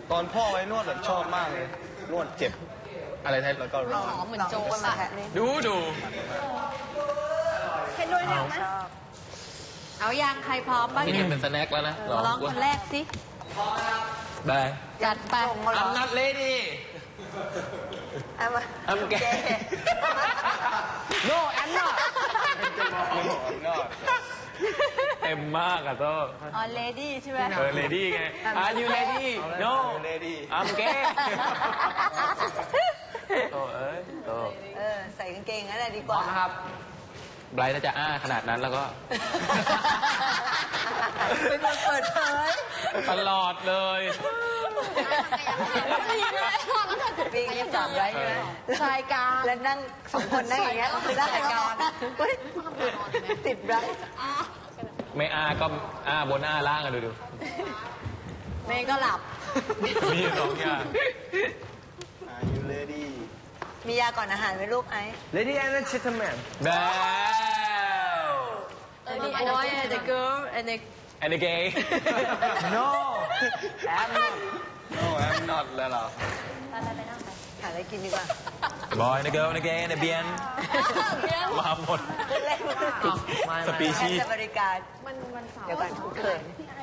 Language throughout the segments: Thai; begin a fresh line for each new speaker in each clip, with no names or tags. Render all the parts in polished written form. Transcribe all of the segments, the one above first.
ตอนพ่อไว้นวดแบบชอบมากเลยนวดเจ็บอะไรแท้แล้วก็ร้อน
หอมเหมือนโจ๊กอะ
ดู
เห็นด้วยแล้วนะเอายังใครพร้อมบ้าง
นี่
เนี่ย
เป็นสแน็คแล้วนะ
ร้องคนแรกสิ
ได้
จัดไป
I'm not ready
เอามา
I'm gay No I'm not เต็มมากอะโต้
อ๋อเลดี้ใช่ไหม
ready ไง Are you ready No I'm gay โตเอ้ยโต
ใส่กางเกงนั่นแหละดีกว่า
นะครับไบรท์น่าจะอ้าขนาดนั้นแล้วก็
เป็นคนเปิดเผย
ตลอดเลย
ปีนี้จับไว้ใช่ไหมชายกลางแล้วนั่งสองคนนั่งอย่างเงี้ยคือได้กลางติดไว้
ไม่อ้าก็อ้าบนอ้าล่างกันดู
เมย์ก็หลับ
มีสองอย่าง
Are you ready
มียาก่อนอาหารไหมลูกไอ้
Lady and gentlemen
แบ
The boy and the girl and the
and the gay
No I'm not No I'm not แล้วเหรอ
หาอะไรกินดีกว่า
boy and the girl and the gay and the bien มาหมดสปีชีส์
บริการเดี๋ยวก่อนเขิน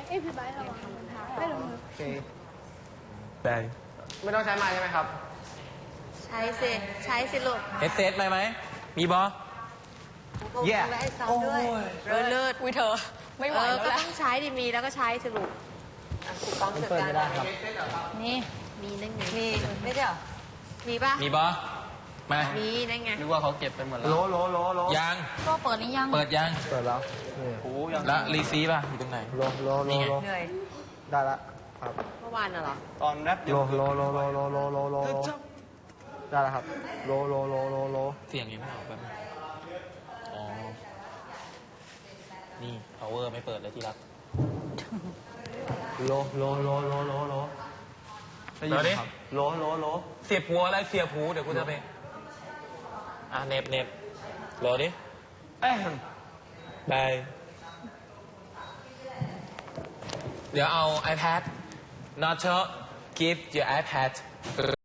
โอเค
ได้
ไม่ต้องใช้ไม้ใช่ไหมครับ
ใช้สิใช้สิลูก
เฮดเซตไหมมีบอ
Yeah
ไว้ให้ซ้อมด้วยเลิศอุ้ยเธอ ไม่ไหวแล้วก็ต้องใช้ดิมีแล้วก็ใช้สิลูกถูกต้องเสร็จแล้วนี่มีนั่นไงมีไม่ใช่เหรอมีป่ะ
มีบอมา
มีนั่นไง
นึกว่าเขาเก็บไปหมดแล้วโล
ยัง
ก็เปิดหรือยัง
เปิดยัง
เปิดแล้ว
โอ้ยัง
แล้วรีซีป่ะอยู่ตรงไหน นี่ไง
เหนื่อย
ได้ละครับ
เมื่อวานน่ะเหรอ
ตอนแรป
โลได้แล้วครับโล
เสียงยังไม่ออกแบบอ๋อ นี่ power ไม่เปิดเลยที่รัก
โล
ได้ยินไหมครับ
โล
เสียบหัวอะไรเสียบหูเดี๋ยวกูจะไปเน็บรอดิบายเดี๋ยวเอา iPad not to give your iPad